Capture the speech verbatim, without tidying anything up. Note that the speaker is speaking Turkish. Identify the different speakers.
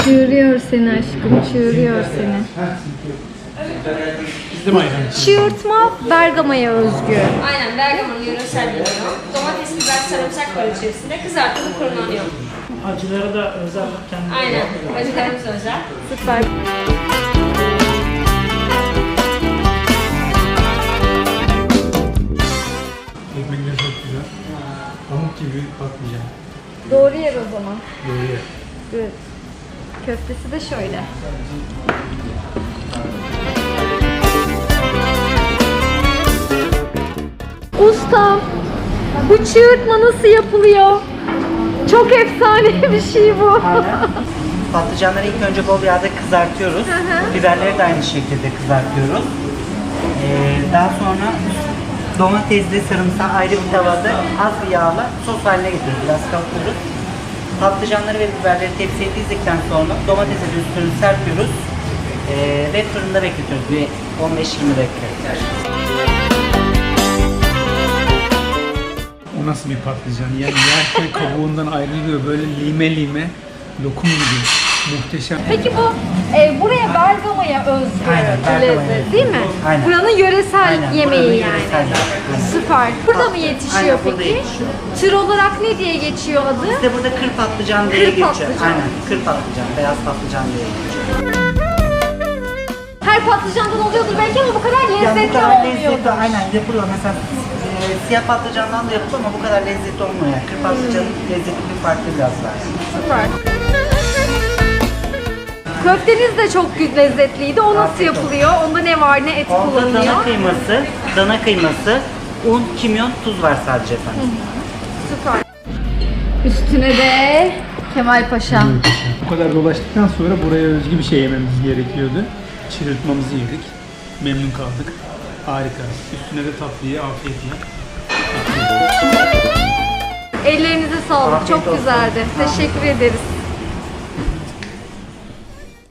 Speaker 1: Çığırıyor seni aşkım, çığırıyor seni.
Speaker 2: Bizim ayran.
Speaker 1: Çığırtma Bergama'ya özgü.
Speaker 3: Aynen, Bergama'nın yöresel bir ürünü. Domates, biber, sarımsak var içerisinde. Kızartılıp fırınlanıyor.
Speaker 2: Acıları da özel kendi.
Speaker 3: Aynen, acılarımız özel.
Speaker 1: Süper.
Speaker 2: Ekmekler çok güzel. Pamuk gibi patlıcan.
Speaker 1: Doğru yer o zaman.
Speaker 2: Böyle.
Speaker 1: Evet. Köftesi de şöyle. Ustam, bu çığırtma nasıl yapılıyor? Çok efsane bir şey bu.
Speaker 4: Patlıcanları ilk önce bol yağda kızartıyoruz.
Speaker 1: Hı hı.
Speaker 4: Biberleri de aynı şekilde kızartıyoruz. Ee, daha sonra domatesli sarımsağı ayrı bir tavada az bir yağla sos haline getiriyoruz. Biraz kavuruyoruz. Patlıcanları ve biberleri tepsiye dizdikten sonra domatesi de üstünü serpiyoruz. Ee, ve fırında bekletiyoruz. Bir on beş yirmi dakika.
Speaker 2: O nasıl bir patlıcan? Yani yerken kabuğundan ayrılıyor böyle lime lime. Lokum gibi. Muhteşem.
Speaker 1: Peki bu e, buraya Bergama'ya özgü
Speaker 4: Aynen,
Speaker 1: bir
Speaker 4: Bergama'ya
Speaker 1: lezzet
Speaker 4: özgü.
Speaker 1: değil mi?
Speaker 4: Aynen.
Speaker 1: Buranın yöresel
Speaker 4: Aynen,
Speaker 1: yemeği
Speaker 4: buranın
Speaker 1: yani.
Speaker 4: yöresel yemeği. Aynen.
Speaker 1: Süper. Burada mı yetişiyor
Speaker 4: Aynen, burada
Speaker 1: peki?
Speaker 4: yetişiyor.
Speaker 1: Tür olarak ne diye geçiyor adı?
Speaker 4: Bizde burada kır patlıcan diye
Speaker 1: Kır
Speaker 4: geçiyor.
Speaker 1: patlıcan.
Speaker 4: Aynen, kır patlıcan, beyaz patlıcan diye geçiyor.
Speaker 1: Her patlıcandan oluyordur belki ama bu kadar
Speaker 4: Ya bu
Speaker 1: lezzetli
Speaker 4: kadar
Speaker 1: olmuyor.
Speaker 4: lezzetli, aynen yapılıyor. Mesela e, siyah patlıcandan da yapılıyor ama bu kadar lezzetli olmuyor. Yani. Kır patlıcanın lezzeti bir farklı biraz daha.
Speaker 1: Süper. Köfteniz de çok gü- lezzetliydi. O nasıl
Speaker 4: Afiyet olsun.
Speaker 1: yapılıyor? Onda ne var? Ne et
Speaker 4: Onda
Speaker 1: kullanılıyor?
Speaker 4: dana kıyması, dana kıyması, un, kimyon, tuz var sadece efendim.
Speaker 1: Süper. Üstüne de Kemal Paşa.
Speaker 2: Bu kadar dolaştıktan sonra buraya özgü bir şey yememiz gerekiyordu. Çığırtmamızı yedik. Memnun kaldık. Harika. Üstüne de tatlıyı afiyetle.
Speaker 1: Ellerinize sağlık.
Speaker 4: Afiyet
Speaker 1: Çok
Speaker 4: olsun.
Speaker 1: güzeldi. Teşekkür ederiz.